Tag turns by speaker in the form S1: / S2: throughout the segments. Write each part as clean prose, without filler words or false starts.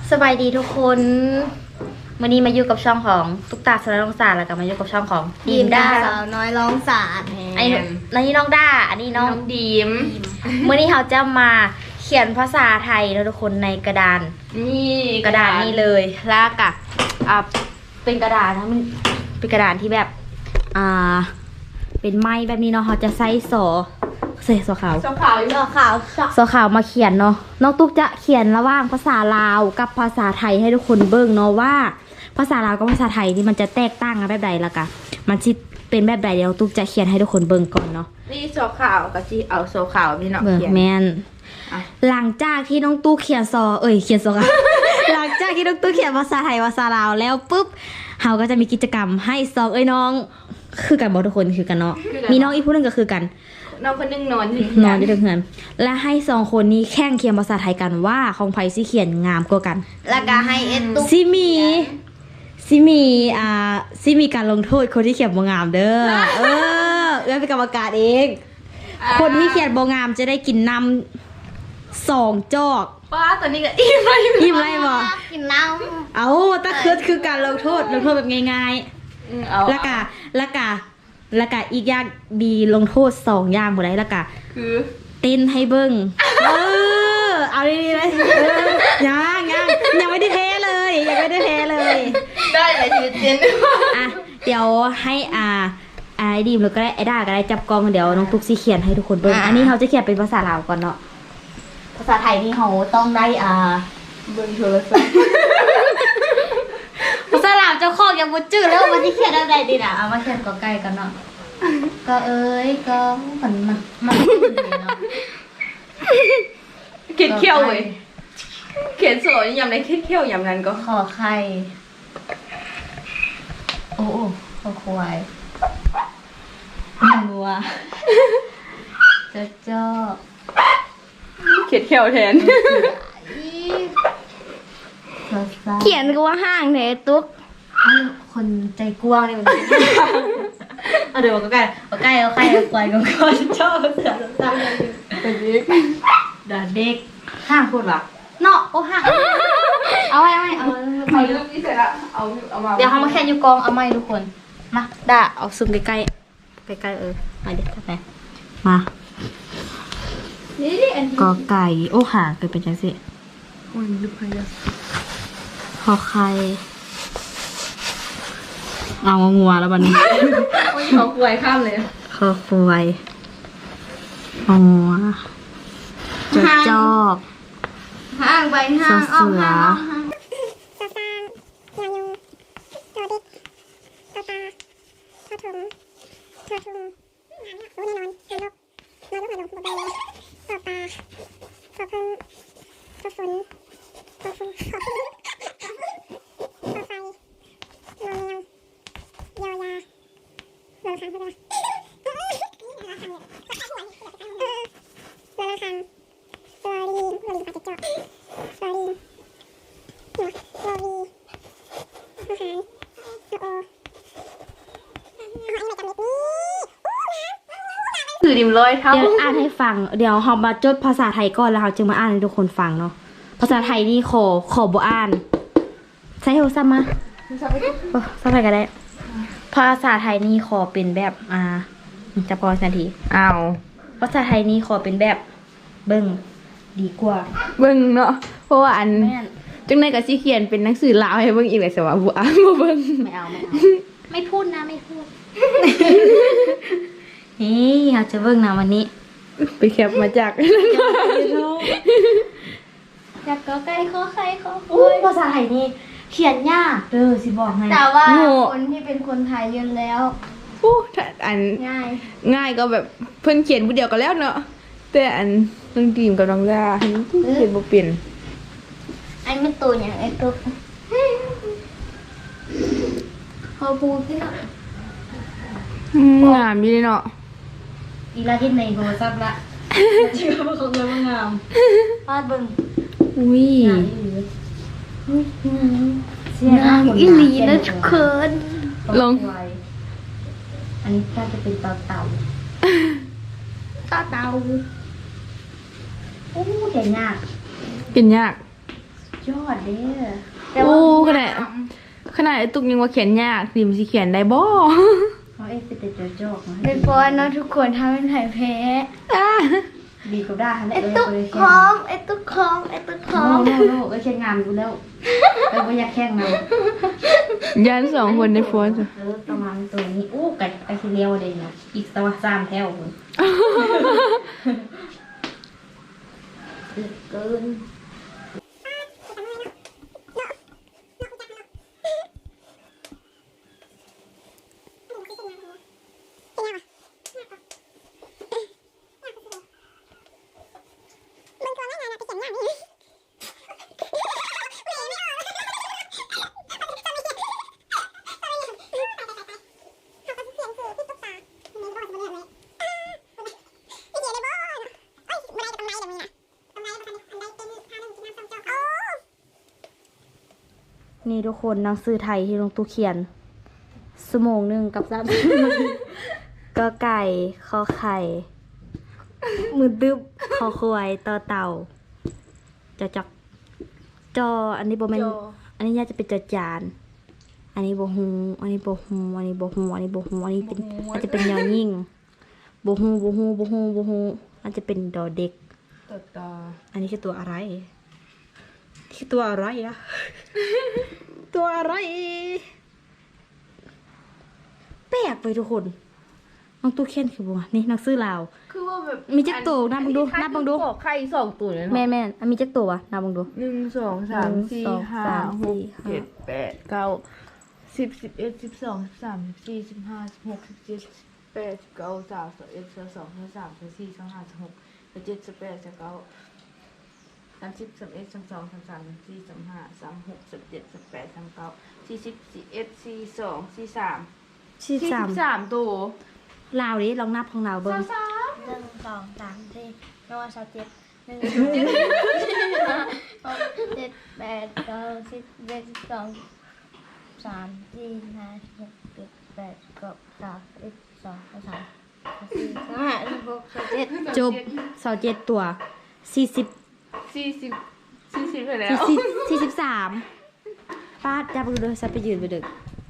S1: สบายดีทุกคนวันนี้มาอยู่กับช่องของตุ๊กตาสารลองศาสตร์แล้วก็มาอยู่กับช่องของ
S2: ดีมด้าสาวน้อยร้องศาสตร์
S1: อันนี้น้องด้าอันนี้น้อง
S3: ดีม
S1: เมื่อนี้เขาจะมาเขียนภาษาไทยนะทุกคนในกระดาน
S3: นี่
S1: กระดานนี้เลยแล้วก็เป็นกระดานนะมันเป็นกระดานที่แบบเป็นไม้แบบนี้เนาะเขาจะใส่สอขาว
S3: ชอบขาวอยู่
S2: ดอกขาวช็อก
S1: สอขาวมาเขียนเนาะน้องตุ๊กจะเขียนระหว่างภาษาลาวกับภาษาไทยให้ทุกคนเบิ่งเนาะว่าภาษาลาวกับภาษาไทยที่มันจะแตกต่างกันแบบใดละกะมันสิเป็นแบบใดเดี๋ยวตุ๊กจะเขียนให้ทุกคนเบิ่งก่อนเนาะ
S3: นี่ชอบขาวกับจีเอาโซขาวพี่น้อง
S1: เบิ่ง
S3: เขียน
S1: แม่น
S3: อ่ะ
S1: หลังจากที่น้องตุ๊กเขียนเขียนค่ะ หลังจากที่น้องตุ๊กเขียนภาษาไทยภาษาลาวแล้วปุ๊บเราก็จะมีกิจกรรมให้ซองน้องคือกันบอกทุกคนคือกันเนาะมีน้องอีกผู้หนึงก็คือกัน
S3: น้องคนนึงนอนอยู่
S1: นอนอยู่ด้วยกันและให้สองคนนี้แข่งเขียนภาษาไทยกันว่าของไผสิเขียนงามกว่ากัน
S2: แล้วก็ให้เอ็ดตุ๊ก
S1: ซิมีการลงโทษคนที่เขียนบ่งามเด้อเอื้อเป็นกรรมการเอง คนที่เขียนบ่งามจะได้กินน้ำ2 จอก
S3: ป้าตอนนี้ก็อิ่มเลย
S1: ยิ้มไรบ่
S2: กินน้
S1: เอาตะคือการลงโทษแบบง่าย
S3: เอา
S1: ๆแล้วก็อีกอย่างมีลงโทษ2 อย่างบ่ได้แล้วก็
S3: คือ
S1: เต้นให้เบิ้งเอาดีๆเลยยังไม่ได้เทเลยยังไม่ได้เทเลย
S3: ได้เลยชีวิตเจน
S1: อ่ะเดี๋ยวให้ไอ้ดีมแล้วก็ได้ไอ้ด้าก็ได้จับกล้องเดี๋ยวน้องตุ๊กสิเขียนให้ทุกคนเบิ้งอันนี้เขาจะเขียนเป็นภาษาลาวก่อนเนาะภาษาไทยนี่เขาต้องได้
S3: เบิ่งโทรศัพท์
S1: ภาษาลาวเจ้าของยังบ่จื้อแล้วมันจะเขียนอะไรดีน่ะเอามาเขียนก็ใกล้กันเนาะก็ก็มันเนาะ
S3: เขียนเขี้ยวเว้ยเขียนสวยยำในเขียนเขี้ยวยำนั้นก็
S1: ขอไข่โอ้ขอควายงัวเจ้า
S3: เขียนเขี้ยวแทน
S2: ำเขียนก็ว่าห้างเนตุ๊ก
S1: คนใจกว้างนี่มันเอาเดี๋ยวก็ใกล้เอาควายก็ชอบเสือตั้งเลย
S3: เป็นเด็ก
S1: ด่าเด็กห้างพูดว่ะเนาะโอ้ห้างเอาไว้เอา
S3: เอารูปนี้เสร็จแล้วเอามา
S1: เดี๋ยวเขามาแค่อยู่กองเอาไม้ทุกคนมาด่าเอาซึมใกล้มาเดี๋ยวทำไมมา
S3: นี่อัน
S1: กอไก่โอ้หาเกิดเป็นจังสิ
S3: มันดูพยา
S1: ขอไข่เอางัวแล้วบัดนี้
S3: โอ้ยเขาป่วยข้ามเลย
S1: ขอควายเอางัวจอก
S2: ห้างไปห้างออกห้างออกห้าง
S4: ตาตาตายุงตาดิกตาตาตาถุงตาถุงรู้แน่นอนหาลกนอนลุกหาลงบดใบตาตาตาพึ่งตาฝนตาฝุ่นตาไฟนอนแมวยาวยาเรือคันเรือเรือคันตัวลีปาจิจอกตัวลีโรวีอาหารโอ
S3: ถือดิมลอยเท้า
S1: เดี๋ยวอ่านให้ฟังเดี๋ยวเรามาจดภาษาไทยก่อนแล้วเราจึงมาอ่านให้ทุกคนฟังเนาะภาษาไทยนี่ขอบ่อ่านใช้โทรศัพท์มาสักไปก็ได้ภาษาไทยนี่ขอเป็นแบบจะพอนาที
S3: เอา
S1: ภาษาไทยนี่ขอเป็นแบบเบิ่งดีกว่า
S3: เบิ่งเนาะเพราะว่าอัน
S1: แม่น
S3: จังในกับสิเขียนเป็นหนังสือลาวให้เบิ่งอีกเลยสว่าบ่อ่านบ่เบิ่ง
S1: ไม่เอาไม่พูดนะไม่พูด นี่เราจะเบิ่งนะวันนี้
S3: ไปแคปมาจาก
S2: อยากก็ใกล้ข้อไข่ข้อ
S1: อุ้ยภาษาไทยนี่เขียนยากเด้อสิบอกให้
S2: แต่ว่าคนที่เป็นคนไทยเยอะแล้ว
S3: อู้ถ้าอัน
S2: ง่าย
S3: ง่ายก็แบบเพิ่นเขียนผู้เดียวก็แล้วเนาะแต่อันน้องดีมกับน้องดาเขียนบ่เป็น
S2: อันไม่ตัวอย่างไอ้ตุ๊กพอพูดขึ้นแล้ว
S3: งามอยู่เนาะ
S1: อีลาที่ในโทรศัพท์ละเชื่อว่าเขาเลยว่างามพาดเบิ่ง
S3: อุ้ย
S1: เสียง
S2: อีหลีนะทุกคน
S3: ลง
S1: อันนี้น่าจะเป็นเต่า
S2: ต่อเตา
S1: โอ้เขียนยาก
S3: เป็นยาก
S1: ชยอดเด้อ
S2: แต่ว่า
S3: โอ้ขนาดไอ้ตุกยังว่าเขียนยากดิมสิเขียนได้บ่
S1: เขาเอ็กเป็นแต่จอกๆมาให้
S2: เป็นเพราะว่าน้องทุกคนทำเป็นไผ่แพ้
S3: อ่ะ
S1: ดีกว่าได้ค่ะ
S2: ไอ้ตุ๊กคอมไอ้ตุ๊กคอมไอ้ตุ๊กคอ
S1: โน่
S2: ม
S1: โน่โน่เอ้ยแข่งงานกูแล้วไม่อยากแข่งเรา
S3: ยันสองคนในโฟน
S1: ประมาณตัวนี้อู้ไก่ทีเดียวเลยนะอีกตัวสามแถวคนเกิน นี่ทุกคนหนังสือไทยที่ลงตู้เขียนชั่วโมงหนึ่งกับ3 ก็ไก่คอไข่มือดึบคอควายต่อเต่าจักจออันนี้บ่แม่นอันนี้น่าจะเป็นจอจานอันนี้บ่ฮู้อันนี้บ่ฮู้อันนี้บ่ฮู้อันนี้บ่ฮู้อันนี้เป็นอาจจะเป็นยอยิ่งบ่ฮู้อาจจะเป็นดอเด็ก
S3: ต่อ
S1: อันนี้คือตัวอะไรคือตัวอะไรอะ ตัวอะไรแปลกไปทุกคนน้องตู้เขียนคือบัวนี่หนังสือลาว
S3: คือว่าแบบ
S1: มีจักตัวนับบังดูนับบังดู
S3: ไข่2ตัวเลย
S1: แม่
S3: เนาะ
S1: แม่อันมีจักตัววะนับบังดู
S3: 1 2 3 4 5 6 7 8 9 10 11 12 13 14 15 16 17 18 19 20 21 22 23 24 25 26 27 28 29 30 31 32 33 34 35 36 37 38 39 40 41 42 43
S1: ชื่อสาม
S3: 43ตัว
S1: ลาวดิลองนับของเราเบิ้ง
S2: 1 2 3 4น้องสาวเจ็ด1 2 7 8 9 10 11 12 3 4 5 6 7 8 9 10 12 13 14 15 16 17
S1: จบ27ตัว40
S3: 40ไปแล้ว
S1: 43ป้าจับดูเลยซับไปยืนไปดึก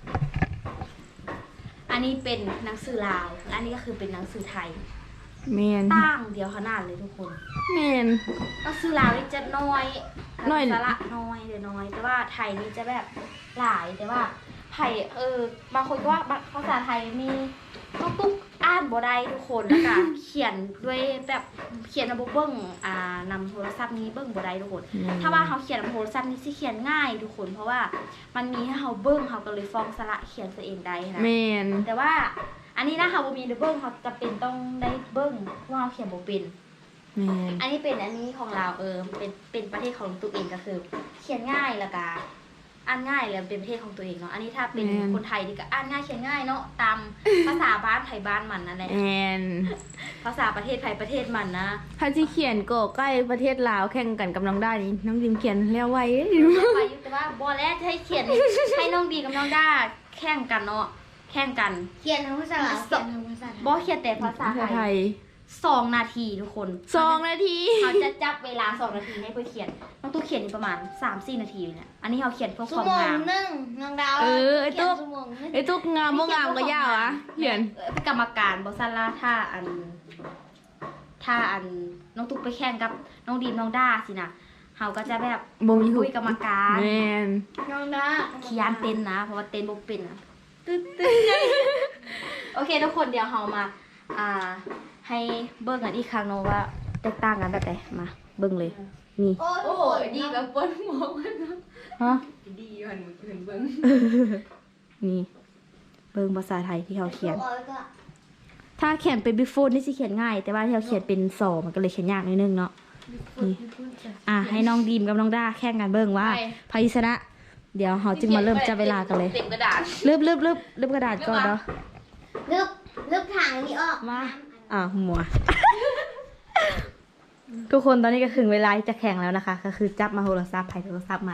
S1: อันนี้เป็นหนังสือลาวและอันนี้ก็คือเป็นหนังสือไทย
S3: แมน
S1: ตั้งเดียวขนาดเลยทุกคน
S3: แมน
S1: หนังสือลาวนี่จะน้อย
S3: น้อย
S1: สาระน้อยเดี๋ยวน้อย แต่ว่าไทยนี่จะแบบหลายแต่ว่าไทยบางคนก็ว่าภาษาไทยมีต้องตุ๊กอ่านบ่ได้ทุกคนแล้วก็เขียนด้วยแบบเขียนระบบเบิ้งนำโทรศัพท์นี้เบิ้งบ่ได้ทุกคน ถ้าว่าเขาเขียนนำโทรศัพท์นี้สิเขียนง่ายทุกคน เพราะว่ามันมีให้เขาเบิ้งเขาก็เลยฟ้องสระเขียนตัวเองได้นะ
S3: แมน
S1: แต่ว่าอันนี้นะเขาบ่มีเบิ้งเขาจะเป็นต้องได้เบิ้งว่าเขาเขียนบ่เป็น
S3: แมน
S1: อันนี้เป็นอันนี้ของเราเป็นประเทศของตัวเองก็คือ เขียนง่ายแล้วก็อ่านง่ายแล้วเป็นประเทศของตัวเองเนาะอันนี้ถ้าเป็นคนไทยนี่ก็อ่านง่ายเขียนง่ายเนาะตามภาษาบ้านไทยบ้านมันนั่นแหละ
S3: แมน
S1: ภาษาประเทศไทยประเทศมันนะ
S3: ถ้าที่เขียนก็ใกล้ประเทศลาวแข่งกันกับน้องได้นี่น้องดิมเขียนแล้วไว้
S1: เรียกไปอยู่แต่ว่าบอแล้วให้เขียนให้น้องดีกับน้องด้าแข่งกันเนาะแข่งกัน
S2: เขียนทั้งภาษาลาวเขียนทั้งภาษาไทย
S1: บอเขียนแต่ภาษา
S3: ภาษา
S1: ไท
S3: ไท
S1: ย
S3: ย
S1: 2 นาทีทุกคน
S3: 2 นาที
S1: เขาจะจับเวลา2 นาทีให้เพื่อเขียนน้องตู้เขียนนี่ประมาณ 3-4 นาทีเนี่ยอันนี้เขาเขียนเพื่อค
S2: ชั่
S1: วาว ม
S2: โมง
S1: งาม
S2: หนึ่งน้องดาว
S3: ไอ้ตุ๊ก
S2: เขียนชั่วโมงหนึ่ง
S3: ไอ้ตุ๊กงามบ่งามก็ยาวอะเขียน
S1: เป็นกรรมการบอสันล่าถ้าอันน้องตุ๊กไปแข่งกับน้องดีมน้องด้าสินะเขาก็จะแบบ
S3: บ่มี
S1: คุยกรรมการ
S3: แมน
S2: น้องดา
S1: ขี้ยานเต้นนะ เพราะว่าเต้นบ่เป็นอะตึ๊ดโอเคทุกคนเดี๋ยวเรามาให้เบิ่งกันอีกครั้งเนาะว่าแตกต่างกันแบบไหนมาเบิ่งเลยนี่
S2: โอ้
S3: โอ้
S2: โห
S3: ยดีกับปนหมอกมันเนาะ
S1: ฮะ
S3: ดีก่อนเห็นเบิ่ง
S1: นี่เบิ่งภาษาไทยที่เขาเขียน
S2: โอ้ยก็
S1: ถ้าเขียนเป็น before นี่สิเขียนง่าย แต่ว่าที่เขาเขียนเป็นสอมันก็เลยเขียนยากนิดนึงเนาะนี่ให้น้องดีมกับน้องด้าแข่งกันเบิ่งว่าใครชนะ เดี๋ยวเราจึงมาเริ่มจับเวลากันเลย
S3: เต็มกระดาษ
S1: ลืบกระดาษก่อนเนาะ
S2: ลึกถังนี้ออก
S1: มาหัว ทุกคนตอนนี้ก็ถึงเวลาที่จะแข่งแล้วนะคะ ก็คือจับมาโทรศัพท์ไผ่โทรศัพท์มัน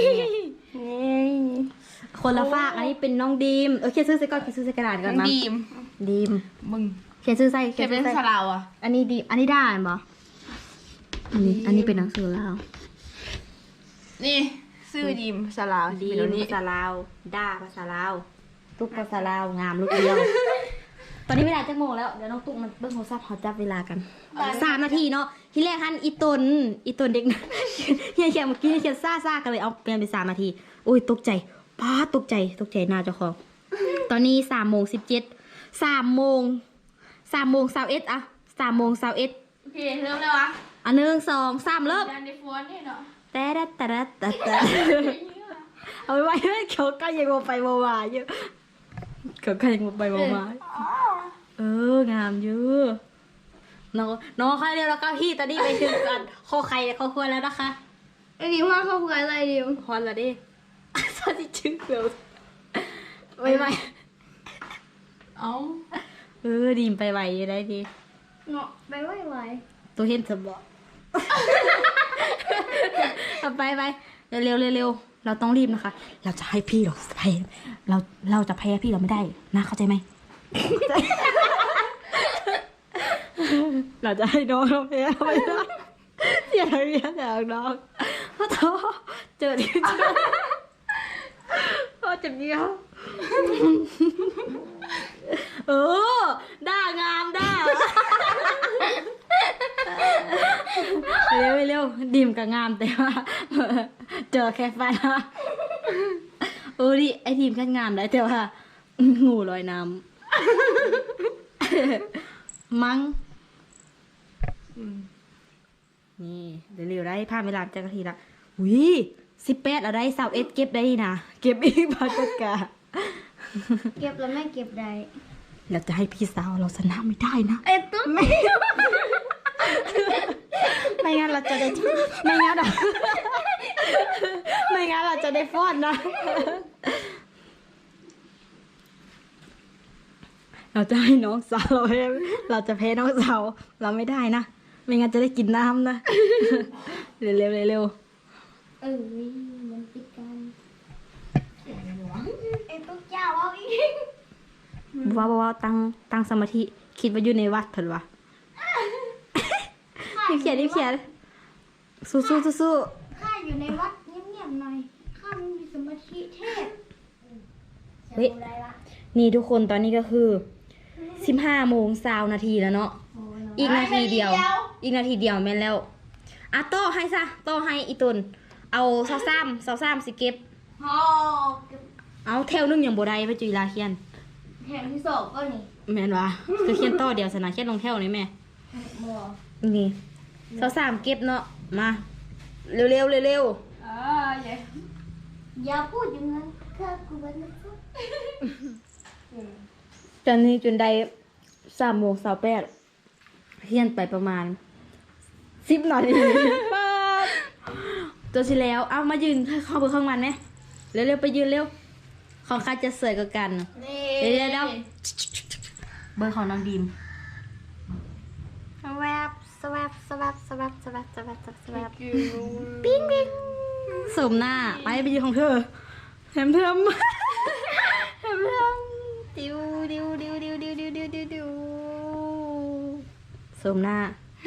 S1: คนละฝากอันนี้เป็นน้องดีมเขียนชื่อใส่ก่อนเขียนชื่อใส่กระดาษก่อนนะ
S3: ดีม
S1: ดีม
S3: มึง
S1: เขียนชื่อใส่
S3: เขียนเป็น
S1: ใส่
S3: สลาวอ่ะ
S1: อันนี้ดีอันนี้ได้บ่อันนี้เป็นหนังสือแล้ว
S3: นี่ซื้อดีมภาษาลาว
S1: ดี
S3: เป็นแบบนี้
S1: ภาษาลาวด้าภาษาลาวตุ๊กภาษาลาวงามลูกเดียว ตอนนี้เวลาจักโมงแล้วเดี๋ยวน้องตุ๊กมันเบิ่งโทรศัพท์เขาจับเวลากัน3 นาทีเนาะที่แรกฮันอีตนเด็กนะ เฮียเขียนเมื่อกี้เขียนซ่ากันเลยเอาเปลี่ยนเป็น3 นาทีโอ้ยตกใจป้าตกใจหน้าเจ้าของตอนนี้3:17 3:21อะ3:21
S3: โอเคเริ่มแล้ววะ
S1: อ่ะ1 2 3เริ่ม
S3: ดันในฟอนให้เนาะ
S1: แต่เอาไว้เขาก็ยังโมไปโมมาอยู่เขาก็ยังโมไปโมมางามอยู่น้องค่ะเรียวแล้วก็พี่ตอนนี้ไปถึงกันคอไข่เขาควรแล้วนะคะ
S2: ไอ้ดิมว่าเขาคุยอะไรดิม
S1: ฮอนละดิสวัสดีชื่อเบลไปไป
S3: เอ้า
S1: ดีมไปไหวยังไงดี
S2: เนาะไปไหว
S1: ตัวเห็นสมบอกเอาไปเร็วเราต้องรีบนะคะ เราจะให้พี่เราแพ้เราจะแพ้พี่เราไม่ได้นะเข้าใจไหม เราจะให้น้องเราแพ้ไม่ได้อย่าเรียกน้องเพราะท้อเจอที่เจอพ่อเจ็บเดียวด่างามด่าเร็วดิมกับงามแต่ว่าเจอแค่ฟันดิไอทีมแค่งามได้แต่ว่างูลอยน้ำมั้งนี่เร็วได้ผ่านเวลาจะนาทีละ18เราได้21เก็บได้นะเก็บอีกบาทกะ
S2: เก็บแล้วไม่เก็บได้
S1: เราจะให้พี่สาวเราชนะไม่ได้นะ
S2: ไอ้ตุ๊ก
S1: ไม่งั้นเราจะได้ไม่งั้นเราจะได้ฟอดนะ เราจะให้น้องสาวเราจะแพ้น้องสาวเราไม่ได้นะไม่งั้นจะได้กินน้ำนะ เร็ว
S2: มันติดกันไอ้ตุ๊กเจ้าเอาอีก
S1: ว่าตั้งสมาธิคิดว่าอยู่ในวัดเถอะวะ รีบเขียนสู้
S2: ข้าอยู่ในวัดเงียบๆหน่อยข้าไม่มีสมาธิเทพ
S1: เฮ้ยนี่ทุกคนตอนนี้ก็คือ15:20 นาทีแล้วเนาะอีกนาทีเดียวแม่นแล้วอ่ะโต้ให้ซะโต้ให้อีตุนเอา23สิเก็บ
S2: ฮอ
S1: เอาแถวนึงอย่างบ่ได้ไปจุฬาเขียน
S2: แถมที่สองก็นี่
S1: แม่นวะก็เขียนต่อเดียวสนะเขียนลงแถวนี่แม่
S2: บัว
S1: นี่23เก็บเนาะมาเร็ว
S3: เย้
S2: อย่าพูดอย่างนั้นข้ากูเป็นนักสู้
S1: ตอนนี้จนได้3:28เขียนไปประมาณ10 นาทีป๊าบตัวสิแล้วเอามายืนเข้าไปข้างมันไหมเร็วไปยืนเร็วของใครจะสวยกว่ากัน
S2: นี่
S1: เดี๋ยวเบอร์ของน้องดีม
S2: แวบสวับ
S3: ปิ้ง
S1: สมหน้าไปยืนของเธอแถมดิวสมหน้า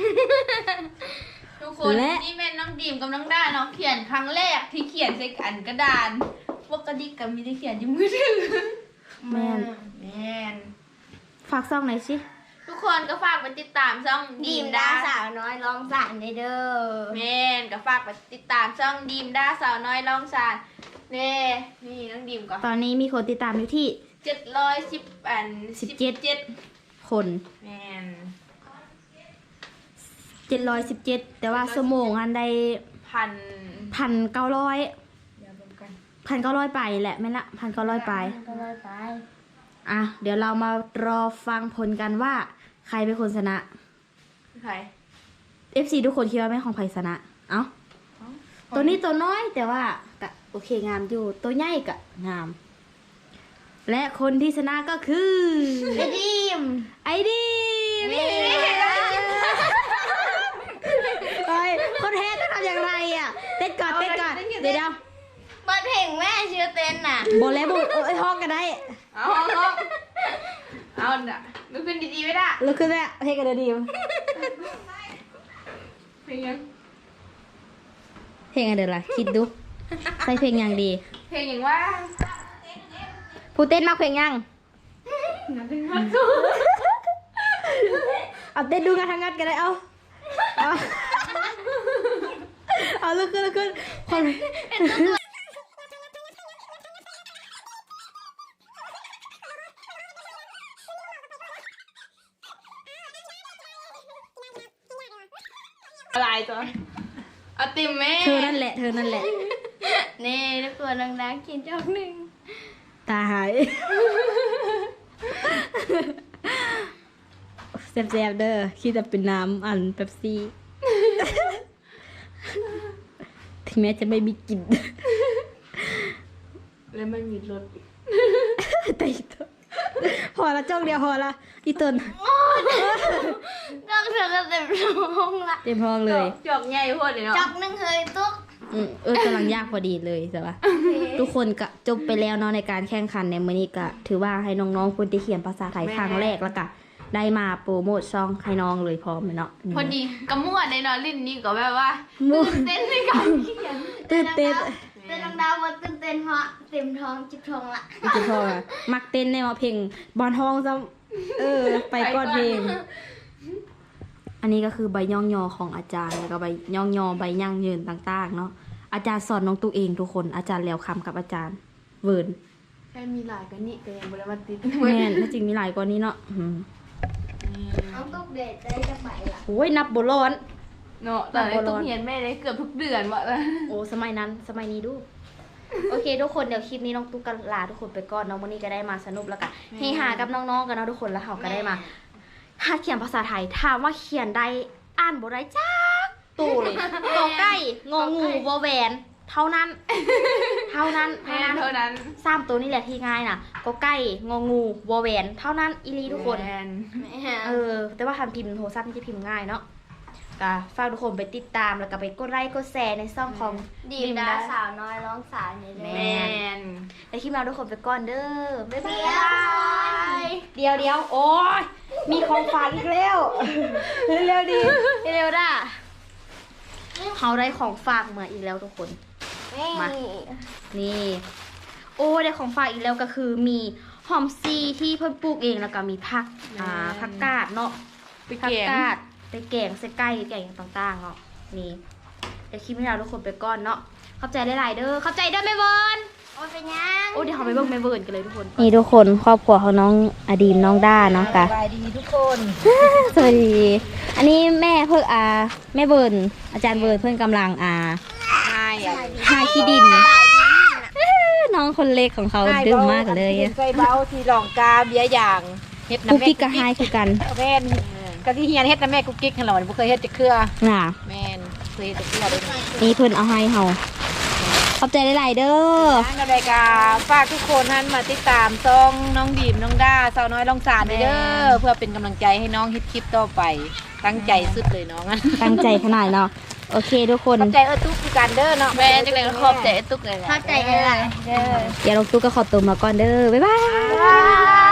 S3: ทุกคนนี่แม่น้องดีมกับน้องด้าน้องเขียนครั้งแรกที่เขียนใส่อันกระดานปกติกับมีได้เขียนอยู่มือถือ
S1: แม่นฝากซ่องหน่อยสิ
S3: ทุกคนก็ฝากไปติดตามช่องดีมด้า
S2: สาวน้อยร้องสานได้เด้อ
S3: แม่นก็ฝากไปติดตามช่องดีมด้าสาวน้อยลองสานนี่น้องดีมก็
S1: ตอนนี้มีคนติดตามอยู่ที่
S3: 717
S1: คน
S3: แม่น
S1: 717แต่ว่าชั่วโมงอันใด 1,900
S3: อย่าเบิ่งกัน
S1: 1,900ไปแหละแม่นละ1,900ไป
S2: ก็เลยไป
S1: อ่ะเดี๋ยวเรามารอฟังผลกันว่าใครเป็นคนชนะ
S3: ใคร
S1: FC ทุกคนคิดว่าแม่ของไผชนะ เอ้าตัวนี้ตัวน้อยแต่ว่าก็โอเคงามอยู่ ตัวใหญ่ก็งาม และคนที่ชนะก็คือ
S2: ไอ้ดิม
S1: ไอดีม
S2: นี่
S1: เฮ้ยคนแพ้ต้องทำอย่างไรอ่ะเต้นก่อนเดี๋ยว
S2: เปิดเพลงแม่ชื่อเต้นน่ะ
S1: บอกแล้วบอกห้องกันได้
S3: เอาน่ะมันขึ้นดีๆไม่ได้
S1: แล้วคือแม่เพลงกันเดี๋ยวดีม
S3: เพลงยัง
S1: เพลงอะไรล่ะคิดดูใส่เพลงยังดี
S3: เพลงอย่างว่า
S1: ผู้เต้นมากเพลงยังเอาเต้นดูงานทางงานกันเลยเอาลุกขึ้นคน
S3: อะไรตัวเอาติมแม่
S1: เธอนั่นแหละ
S2: นี่ทุกคนดังๆกินจอกหนึ่ง
S1: ตาหายแซ่บๆเด้อคิดจะเป็นน้ำอันเป๊ปซี่ ถึงแม้จะไม่มีกลิ่น
S3: แล้วมันมีรสอีก
S1: แต่อีตนพอละจ้องเดียวพอละอีตน
S2: จอกเธอก็เต็มท้องละ
S1: เต็มห้องเลย
S3: จอกใหญ่โพดเลยเนาะ
S2: จอกหนึ่งเคยตุ๊ก
S1: กำลังยากพอดีเลยใช่ปะทุกคนก็จบไปแล้วเนาะในการแข่งขันในมื้อนี้ก็ถือว่าให้น้องๆคนที่เขียนภาษาไทยครั้งแรกแล้วก็ได้มาโปรโมทช่องให้น้องเลยพร้อมเลยเนาะ
S3: พอดีกระม่วนในนอนลิ้นนี่ก็แบบว่า
S1: มั่ว
S3: ตื่นเต้นในการเขียน
S1: ตื่นเต้น
S2: เต้นดาวว่าตื่นเต้นเพราะเต็มท้องจิบท้องละ
S1: จุดพอมักเต้นในว่าเพลงบอลทองซ้ำไปก้อนเพลง อันนี้ก็คือใบย่องยอของอาจารย์แล้วก็ใบย่องยอใบย่างยืนต่างๆเนาะอาจารย์สอนน้องตัวเองทุกคนอาจารย์แล้วคำกับอาจารย์เวิร์น
S3: แค่มีหลายกันนี่แต่ยังบ่ได้มาติด
S1: แม่นถ้าจริงมีหลายกว่านี้เนาะ
S2: น้องตุ๊กเด็ดได้จะไปละ
S1: โอ้ยนับบ่ร้อน
S3: เนาะตอนนี้ต้องเรียนแม่ได้เกือบทุกเดือนว่ะ
S1: โอ้สมัยนั้นสมัยนี้ดู โอเคทุกคนเดี๋ยวคลิปนี้น้องตุ๊กก็ลาทุกคนไปก่อนเนาะวันนี้ก็ได้มาสนุกแล้วกันเฮฮากับน้องๆกันเนาะทุกคนแล้วเขาก็ได้มาหัดเขียนภาษาไทยถามว่าเขียนได้อ่านบ่ได้จักตู่เลยกอไก่งองูวอแหวนเท่านั้นเท่านั้น
S3: แม่เท่านั้น
S1: สามตัวนี่แหละที่ง่ายน่ะกอไก่งองูวอแหวนเท่านั้นอีลีทุกคน
S3: แม่น
S1: แต่ว่าทำพิมพ์โทรศัพท์นี่จะพิมพ์ง่ายเนาะก็ฝากทุกคนไปติดตามแล้วก็ไปกดไลค์กดแชร์ในช่องของ
S2: ดีมดาสาวน้อยร้องสาวนี่เลย
S3: แม่น
S1: ในคลิปเราทุกคนไปก่อนเด้อบ๊ายบา
S2: เดี๋ยวย
S1: เดี๋ยวโอ้ยมีของฝากอีกแล้วเร็วๆดีเร็วๆด่ะเขาได้ของฝากมาอีกแล้วทุกคน มา นี่ โอ้ได้ของฝากอีกแล้วก็คือมีหอมซีที่เพิ่นปลูกเองแล้วก็มีผักผักกาดเนาะ
S3: ไป
S1: ผัก
S3: เก็บ
S1: กาดไปแกงใส่ไก่แกงอย่างต่างๆเนาะนี่เดี๋ยวคลิปนี้เราทุกคนไปก่อนเนาะเข้าใจหลายๆเด้อเข้าใจเด้อแม่เวิร์น
S2: โอ้ยเป็นยัง
S1: โอ้เดี๋ยวเราไปเบิ่งแม่เวิร์นกันเลยทุกคนนี่ทุกคนครอบครัวของน้องอดีมน้องด้าเนาะกะ
S3: สบายดีทุกคน
S1: สวัสดี อันนี้แม่เพิ่งแม่เวิร์นอาจารย์เวิร์นเพิ่งกำลัง
S3: ใช่อ่ะ
S1: หาขี้ดินน้องคนเล็กของเขาดื้อมากเลย
S3: ใส่เบาที่หลองกาเบียอย่างเฮ็ด
S1: กุ๊
S3: น้ำ
S1: ก
S3: แม่
S1: กิ๊กกับไฮคือกัน
S3: แม่นก็ที่เฮียนเฮ็ดน้ำแม่กุ๊กกิ๊กหั่นล่ะบ่เคยเฮ็ดจักเครือ
S1: น่ะ
S3: แม่นเคยเฮ็ดจักเครือเด้
S1: นี่เพิ่นเอาให้เฮาขอบใจหลายๆเด้อ
S3: ทางรายการฝากทุกคนท่านมาติดตามช่องน้องดีมน้องด้าสาวน้อยลองสารเด้อเพื่อเป็นกำลังใจให้น้องเฮ็ดคลิปต่อไปตั้งใจสุดเลยน้อง
S1: ตั้งใจขนาดเนาะโอเคทุกคน
S3: ขอบใจตุ๊กคือกันเด้อเนาะแม่จังได๋ก็ขอบใจตุ๊กเลย
S2: เข้าใจอะไรเด้อ
S1: เดี๋ยวลงตู้ก็ขอตัวมาก่อนเด้อบ๊ายบาย
S3: บาย